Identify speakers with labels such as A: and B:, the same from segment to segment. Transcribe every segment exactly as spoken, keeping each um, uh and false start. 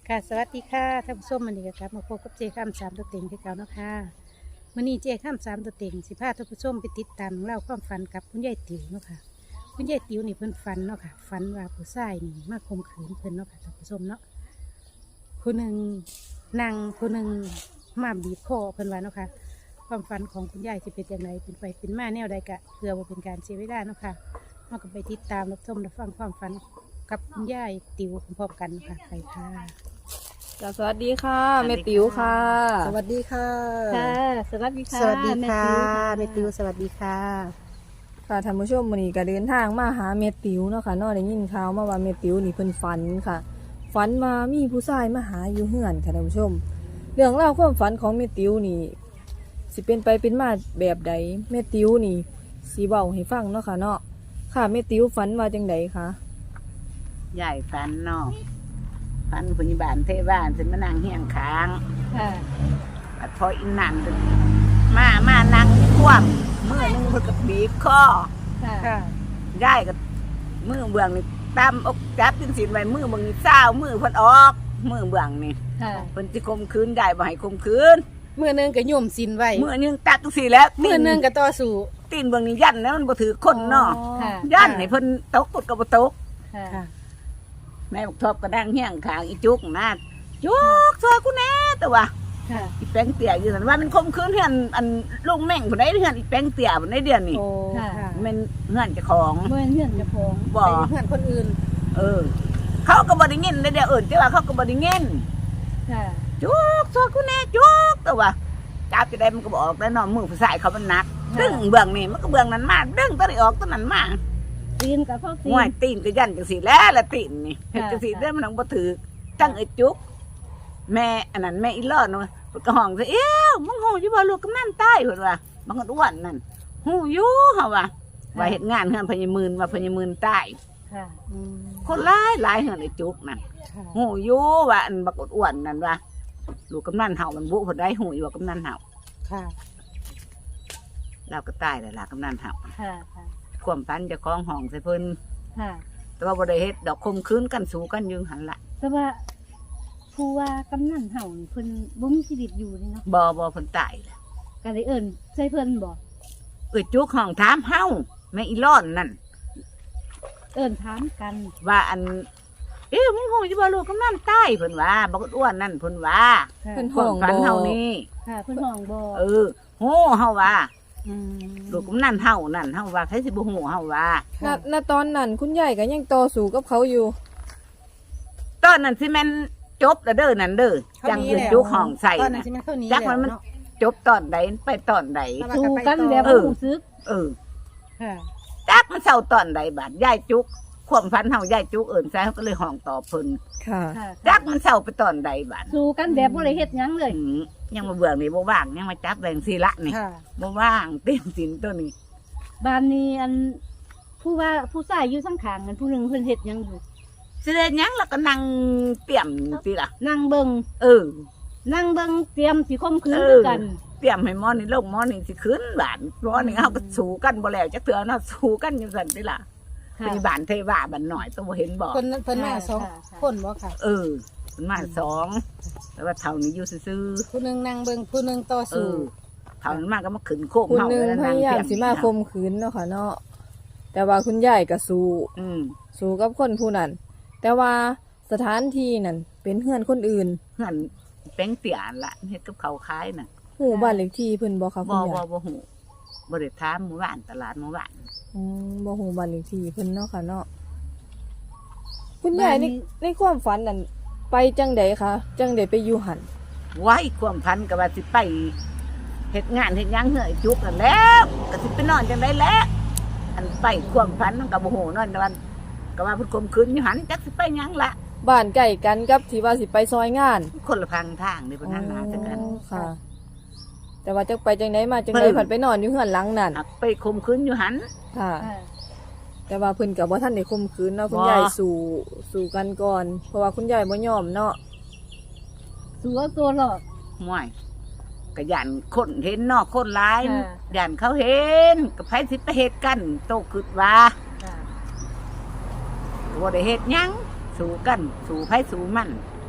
A: ค่ะสวัสดีค่ะท่านผู้ชมวันนี้ก็กลับมาพบกับเจข้ามสามตัวเต็งที่เก่าเนาะค่ะมื่อนี้เจข้ามสามตัวเต็งสิพาท่านผู้ชมไปติดตามเล่าความฝันกับคุณยายติ๋วเนาะค่ะคุณยายติ๋วนี่เพิ่นฝันเนาะค่ะฝันว่าผู้ชายนี่มาข่มขืนเพิ่นเนาะค่ะท่านผู้ชมเนาะคนหนึ่งนั่งคนหนึ่งมาบีบคอเพิ่นว่าเนาะค่ะความฝันของคุณยายจะเป็นอย่างไรเป็นไปเป็นมาแนวใดกะเพื่อว่าเป็นการเสียเวลาเนาะค่ะเราก็ไปติดตามรับชมรับฟังความฝันกับคุณยายติ๋วพร้อมๆกันเนาะค่ะไปค่ะ
B: จ้ะสวัสดีค่ะแม่ติ๋วค่ะ
A: สวัสดีค่ะ
C: ค่ะสวัสดีค่ะ
A: สวัสดีค่ะ
C: แม่
A: เม
C: ติ๋
A: ติว
C: ว
A: สวัสดีค่ะ
B: ค่ะท่านผู้ชมวันนี้ก็เดินทางมาหาแม่ติ๋วเนาะค่ะเนอได้ยินข่าวมาว่าแม่ติ๋วนี่เพิ่นฝันค่ะฝันมามีผู้ชายมาหาอยู่เฮือนค่ะท่านผู้ชม เรื่องราวความฝันของแม่ติ๋วนี่สิเป็นไปเป็นมาแบบใดแม่ติ๋วนี่สิเว้าให้ฟังเนาะค่ะเนาะค่ะแม่ติ๋วฝันว่าจังใดคะ
D: ใหญ่ฟันเนาะฟันพยาบาลเทบ้านฉันมานั่งเฮียงค้าง
C: ค่ะ
D: บัดพออินนั่นมามานั่งคว่ำมือหนึงเพิ่นก็บีบคอ
C: ค่ะ
A: ค่ะ
D: ยายก็มือเบื้องนี่ตามอกจับจังสินไว้มือเบื้องนี่เศร้ามือเพิ่นออกมือเบื้องนี่
C: ค่ะ
D: เพิ่นสิข่มขืนยายบ่ให้ข่มขืน
A: มือหนึงก็โยมสินไว้
D: มือหนึงตัดจังซี่แล้ว
A: มือหนึงก็ต่อสู้
D: ตีนเบื้องนี่ยันแล้วมันบ่ถือคนเนาะ
C: ค่ะ
D: ยันให้เพิ่นตกกดก็บ่ตก
C: ค่ะ
A: ค่ะ
D: แม่บอกทบก็นั่งเฮียงข้างอีจุกนะจุกซอยกูแน่แต่ว่า
C: ค่ะ
D: อีแป้งเตี่ยอยู่สันว่ามันคมคืนเฮือนอันลุงแม่งผู้ใดเฮือนอีแป้งเตี่ยผู้ใดเดือนนี่
A: โอ้
C: ค่ะ
A: ค่ะ
D: มันเฮือนเจ้าของ
C: เมื่อเงื่อนจะพอง
D: บ่
A: ไปเพื่อนคนอื่น
D: เออ เขาก็บ่ได้เงินได้เดี๋ยวอื่นแต่ว่าเขาก็บ่ได้เงิน
C: ค่ะ
D: จุกซอยกูแน่จุกแต่ว่าจับจะได้มันก็บอกแล้วเนาะมือผู้ชายเขามันหนักดึงเบื้องนี่มันก็เบื้องนั้นมาดึงตัวนี้ออกตัวนั้นมา
C: ตีนกับพ่อตี
D: ห้วย
C: น
D: ตีนก็ยันจังซี่แล้วละตีนนี่เฮ็ด
C: ค่ะ
D: จังซี่ได้มันต้องบ่ถือจังไอ้จุกแม่อันนั้นแม่อีลอดเนาะเพิ่นก็ห้องซะเอ้วมึงฮู้อยู่บ่ลูกกำนันตายเพิ่นว่ามันก็อ้วนนั่นฮู้อยู่เฮาว่าว่าเฮ็ดงานเฮือนพญามื่นว่าพญามื่นตาย
C: ค่ะ
A: อืม
D: คนหลายหลายเฮือนไอ้จุกนั่น
A: ค่ะ
D: ฮู้อยู่ว่าอันบักอ้วนๆนั่นว่าลูกกำนันเฮามันบุเพิ่นได้ฮู้อยู่ว่ากำนันเฮา
A: ค่ะ
D: เราก็ตายแล้วล่ะกำนันเฮา
C: ค่ะ ค่ะ
D: ความฝันเจ้าของห้องใส่เพิ่น
C: ค่ะ
D: แต่ว่าบ่ได้เฮ็ดดอกคมคืนกันสู้กันอยู่หั่นล่ะ
C: แต่ว่าผู้ว่ากำนันเห่านี่เพิ่นบ่มีชีวิตอยู่นี่เนาะ
D: บ่บ่เพิ่นตายแล้ว
C: ก็ได้เอิ้นใส่เพิ่นบ่
D: เอ้ยจุกห้องถามเฮาแม่อีร้อนนั่น
C: เอิ้นถามกัน
D: ว่าอันเอ๊ะมึงฮู้อยู่บ่ลูกกำนันตายเพิ่นว่าบักอ้วนนั่นเพิ่นว่า
C: ค่ะ
B: เพิ่น
D: ค
B: ห้อ
D: วาม
B: ง
D: ฝัน
B: บ่
D: เฮานี่
C: ค่ะเพิ่นห้องบ่
D: เออฮู้เฮาว่า
A: อืม
D: ลูกกำนันเฮานั่นเฮาว่าใครสิบ่ฮู้เฮาว่า
B: ณณตอนนั้นคุณยายก็ยังต่อสู้กับเขาอยู่
D: ตอนนั้นสิแม่นจบแล้วเด้อนั่นเด้อจังยืนจุกห้องใส่
A: ตอนนั้น
D: น่ะ
A: ใช่ไหมเท่านี้
D: จักมัน
A: แล้ว
D: มัน
A: เนาะ
D: จบตอนใดไปตอนใด
C: สู้กันแบบ
D: เอ
C: บ่
D: อ
C: รู้สึก
D: เออ
A: ค่ะ
D: จักมันเศร้าตอนใดบาดยายจุกความฝันเฮายายจุกเอิ้นใส่เฮาก็เลยห้องต่อเพิ่น
B: ค่ะ
C: ค่ะ
D: จักมันเศร้าไปตอนใดบาด
C: สู้กันแบบบ่ได้เฮ็ดหยังเลย
D: อืมยังมาเบื่อนี่บ่ว่างยังมาจับแรงสิละนี่
A: ค่ะ
D: บ่ว่างเต็มสินตัวนี้
C: บ้านนี้อันผู้ว่าผู้ชายอยู่ข้างๆกันผู้หนึงเพิ่นเฮ็ดหยังอยู่
D: สิได้หยังแล้วก็นั่งเตรียมสิล่ะ
C: นั่งเบิ่ง
D: เออ
C: นั่งเบิ่งเตรียมสิข่มขืน
D: เออ
C: คือกัน
D: เตรียมให้หมอนี่ลงหมอนี่สิขึ้นบานหมอนี่เฮาก็สู้กันบ่แล้วจักเทื่อเนาะสู้กันอยู่ซั่นติล่ะ
C: ค่ะ
D: เป็นบ้านเทวาบ้านน้อยตัวบ่เห็นบ่
A: คนนั้นเพิ่นมาสอง
C: ค่ะค่ะ
A: คนบ่ค่ะ
D: เออมันมาสองแต่ว่าเท่านี้อยู่ซื่อ
A: ผู้หนึงนั่งเบิ่งผู้หนึงต่อ
D: ๆเอ
A: สู้
D: อเท่านั้นมาก็มาขึ้นโคม
B: คุณ
D: เฮา
B: หนึง
D: แล้ว
B: พ
D: นั่ง
B: ยายา
D: เตรี
B: ม
D: ยม
B: สิมาข่มขืนเนาะค่ะเนาะแต่ว่าคุณยายก็สู้
D: อืม
B: สู้กับคนผู้นั้น แต่ว่าสถานที่นั่นเป็นเฮือนคนอื่น
D: เฮือนแป้งเตี๋ยนล่ะเฮ็ดกับเขาวขายน่ะ
B: หูบ้านเลขที่เพิ่นบ่คะคุ
D: บ่
B: ณ
D: บ่
B: ยาย
D: บ่ฮู้บ่ได้ถามหมู่บ้านตลาดหมู่บ้าน
B: อืมบ่หูบ้านเลขที่เพิ่นเนาะค่ะเนาะคุณยายในในความฝันนั่นไปจังใดคะจังใดไปอยู่หัน
D: ไว้ความพันก็ว่าสิไปเฮ็ดงานเฮ็ดหยังเหือไอ้จุกนั่นแหล้วก็สิไปนอนจังได๋แหล้วอันไปความพันมันก็บ่ฮู้นอนแต่วันก็ว่าเพิ่นข่มขืนอยู่หันจักสิไปหยังล่ะ
B: บ้านใกล้กันกับที่ว่าสิไปซอยงาน
D: คนละพังทางนี่เพิ่นหันหน้าจังกัน
B: อ๋อค่ะ แต่ว่าจักไปจังไดมาจัง
D: เพิ่
B: ได
D: น
B: ผัดไปนอนอยู่เฮือนหลังนั่น
D: หักไปข่มขืนอยู่หัน
B: ค่ะ
C: ค่ะ
B: แต่ว่าเพิ่นก็บ่ทันได้ข่มขืนเนาะคุณ
D: บ่
B: ยายสู่สู่กันก่อน เพราะว่าคุณยายบ่ยอมเนาะ
C: สู้เอาตัวรอด
D: ม่วยก็ย่านคนเห็นเนอกคนหลาย
C: ค่ะ
D: ย่านเขาเห็นก็ไผสิไปเฮ็ดกันโตคิดว่า
C: ค่ะ
D: บ่ได้เฮ็ดหยังสู้กันสู้ไผสู้มัน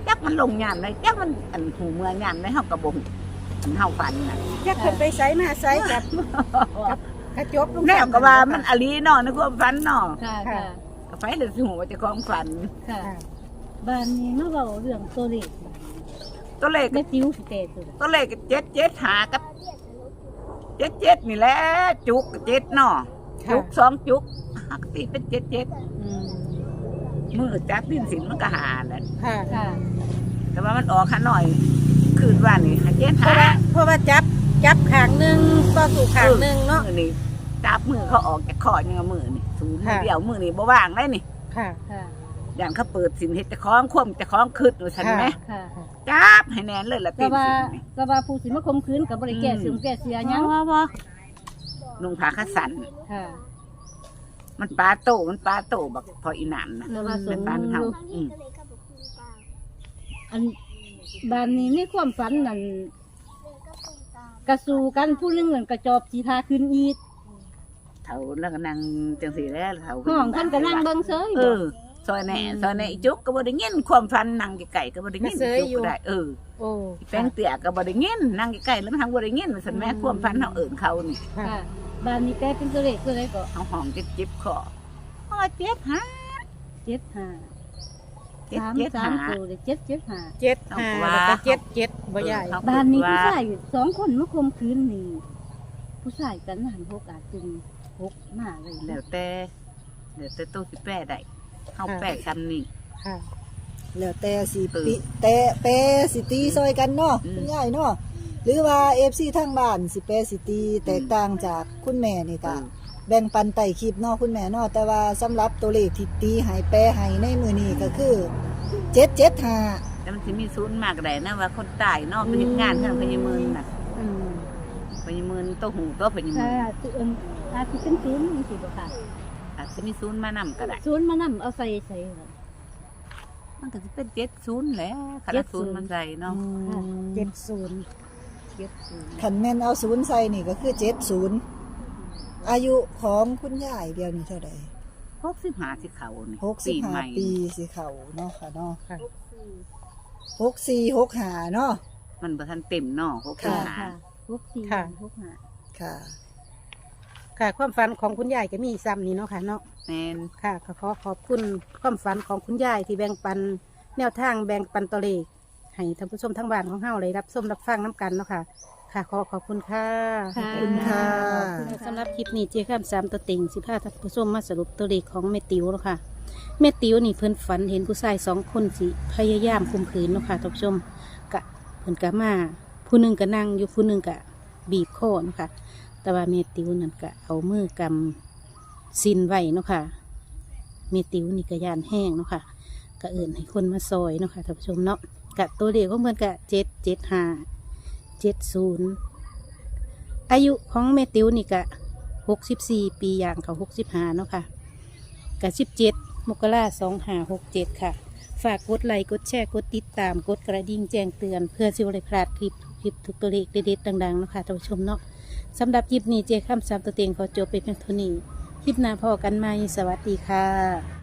D: จักมันลงยามได้จักมันอันหูเมื่อยามได้เฮาก็บ่ฮู้อันเฮาฝันน่ะ
A: จักเพิ่นไปไสมาไสกับกับกระจกลุง
D: แนวก็ว่ามันอลีเนาะในความฝันเนาะ
C: ค่ะค่ะ
D: ก็ไปเลยสิฮู้ว่าเจ้าของฝัน
C: ค่ะ
A: ค่ะ
C: บ้านนี้มาเว้าเรื่องตัวเลข
D: ตัวเลข
C: แม่ติ๋วสิแต่ตัว
D: ตัวเลขเจ็ดเจ็ดหากับเจ็ดเจ็ดนี่แหละจุกเจ็ดเนาะจุกสองจุกหักตีเป็นเจ็ดเจ็ด
C: อืม
D: มือจักดินสินมันก็หาแหละ
A: ค่ะ
C: ค่ะ
D: แต่ว่ามันออกขาหน่อย คืนว่านี่หาเจ็ด
A: เพราะ
D: หา
A: ว่าเพราะว่าจับจับขางหนึงก็สู่ขางหนึงเนาะ
D: มือนี่จับมือเขาออกจากคอยังเอามือนี่สูงมือ
A: ค่ะ
D: เดียวมือนี่บ่ว่างได้นี่
A: ค่ะ
C: ค่ะ
D: อย่างเขาเปิดสินเฮ็ดจะคล้องคว่ำจะคล้องคืดอยู่ฉันไหม
C: ค่ะ
D: จับให้แน่นเลยละ
C: แต่
D: ตีน
C: ว่า
D: สินนี่
C: แต่ว่าผู้สิมาข่มขืนก็บ่ได้แก้เสื่อมแก้เสียหยัง
D: ว่าว่านุ่งผ้าขาสัน
C: ค่ะ
D: มันปลาโตมันปลาโตบักพออีหนานนะ
C: แต่ว่าส
D: เป็น
C: ม
D: ปลาเฮา
C: อยู่
D: อืม
C: อันบ้านนี้ในความฝันนั่นกระสูกันผู้หนึงนั่นกระจอบสีทาขึ้นอีก
D: เฒ่าแล้วก็นั่งจังสีแล้วเฒ่า
C: ห้องท่านก็นั่งเบิ่งเซย
D: เออซอยแหน่ซอยแหน่อีจุกก็บ่ได้ยินความฟันนั่งไกลๆก็บ่ได้ยิน
A: มาเสยอยู่
D: จุกก็ได้เออ
A: โอ้
D: แป้งเตี้ยก็บ่ได้ยินนั่งไกลๆแล้วมันทางบ่ได้ยินว่าซั่นแม่ความฟันเฮาเอิ้นเขานี่
A: ค่ะ
C: ค่ะบ้านนี้แกเป็นตัวเลขตัวเลขก็
D: เฮาห้องจิบๆคออ๋อเจ็ดหา
C: เจ็ดห้า
D: เจ็ด
C: สาม
D: เจ็ด
C: สาม
D: หา
C: ตัวเลยเจ็ดเจ็ดห้า
A: เจ็ดห้า
D: เอาว่า
A: แล้วก็เจ็ดเจ็ดบ่ใหญ่
D: เออ
C: บ้านนี้ผู้ชายสองคนมาข่มขืนนี่ผู้ชายกันหันหกอาจจึงหกมาเลย
D: แล้วแต่แล้วแต่ตู้สิแป้ได้เฮาแป้คำนี้
A: ค่ะ
B: แล้วแต่สิ
D: เออ
B: ปิแต่แปรสิตีซอยกันเนาะ
D: อืม
B: คุณยายเนาะหรือว่า เอฟ ซี ทางบ้านสิแปรสิตีแตกต่างจากคุณแม่นี่
D: เอ
B: ก็
D: อ
B: แบ่งปันไต่คลิปเนาะคุณแม่เนาะแต่ว่าสำหรับตัวเลขที่ตีให้แปรให้ในมือนี้ก็คือเจ็ดเจ็ดห้า
D: แต่มันสิมีศูนย์มากได้นะว่าคนตายเนาะไปเฮ็ดงานเพิ่นพญามืนน่ะ
A: อืม
D: พญามืนโตหูโตพญามื
C: ถ้าน ตัวเอิ้นอาจจะเป็นศูนย์นี่สิบ่ค่ะ
D: อาจจะมีศูนย์มานำก็ได้
C: ศูนย์มานำเอาใส่ใส่ค่ะ
D: มันก็จะเป็นเจ็ดศูนย์แหละคณะศูนย์มันใส่เนาะ
C: ค่ะ
A: เจ็ดศูนย์
C: เจ็ดศูนย์
B: ขันแม่นเอาศูนย์ใส่นี่ก็คือเจ็ดศูนย์อายุของคุณยายเดียวนี้เท่าไหร่
D: หกสิบห้าสิเขานี่
B: หกสิบ
D: ปี
B: ห้า
D: ใหม่
B: ปีสิเขาเนาะค่ะเนาะ
A: ค่ะ
B: หกสี่หกห้าเนาะ
D: มันบ่ทันเต็มเนาะหกสิบ
B: ค่ะ
D: ห้า
C: ค่ะหกสี่
A: ค่ะ
C: หกห้า
B: ค่ะ
A: ค่ะ ความฝันของคุณยายก็มีซ้ำนี่เนาะค่ะเนาะ
D: แม่น
A: ค่ะก็ขอขอบคุณความฝันของคุณยายที่แบ่งปันแนวทางแบ่งปันตัวเลขให้ท่านผู้ชมทั้งบ้านของเฮาเลยรับชมรับฟังน้ำกันเนาะค่ะ ค่ะขอขอบคุณค่ะ
B: ขอบคุณค่ะ
A: สำหรับคลิปนี้เจ้าข้ามสามตัวเต็งสิพาท่านผู้ชมมาสรุปตัวเลขของแม่ติ๋วเนาะค่ะแม่ติ๋วนี่เพิ่นฝันเห็นผู้ชายสองคนสิพยายามข่มขืนเนาะค่ะท่านผู้ชมกะเพิ่นกะมาผู้หนึ่งก็นั่งอยู่ผู้หนึ่งกะบีบคอเนาะค่ะ แต่ว่าแม่ติ๋วนั่นกะเอามือกำซินไว้เนาะค่ะแม่ติ๋วนี่กะยานแห้งเนาะค่ะกะเอิ่นให้คนมาซอยเนาะค่ะท่านผู้ชมเนาะกะตัวเลขของเพิ่นกะเจ็ดเจ็ดห้าเจ็ดศูนย์อายุของแม่ติ๋วนี่กะหกสิบสี่ปีอย่างเขาหกสิบห้าเนาะค่ะกะสิบเจ็ดมกราสองห้าหกเจ็ดค่ะ ฝากกดไลค์กดแชร์กดติดตามกดกระดิ่งแจ้งเตือน เพื่อสิวได้พลาดคลิปคลิปทุกตัวเลขเด็ดๆดังๆเนาะค่ะท่านผู้ชมเนาะสำหรับคลิปนี้เจาข้ามสามตัวเต็งขอจบไปเพียงเท่านี้คลิปหน้าพอกันไหมสวัสดีค่ะ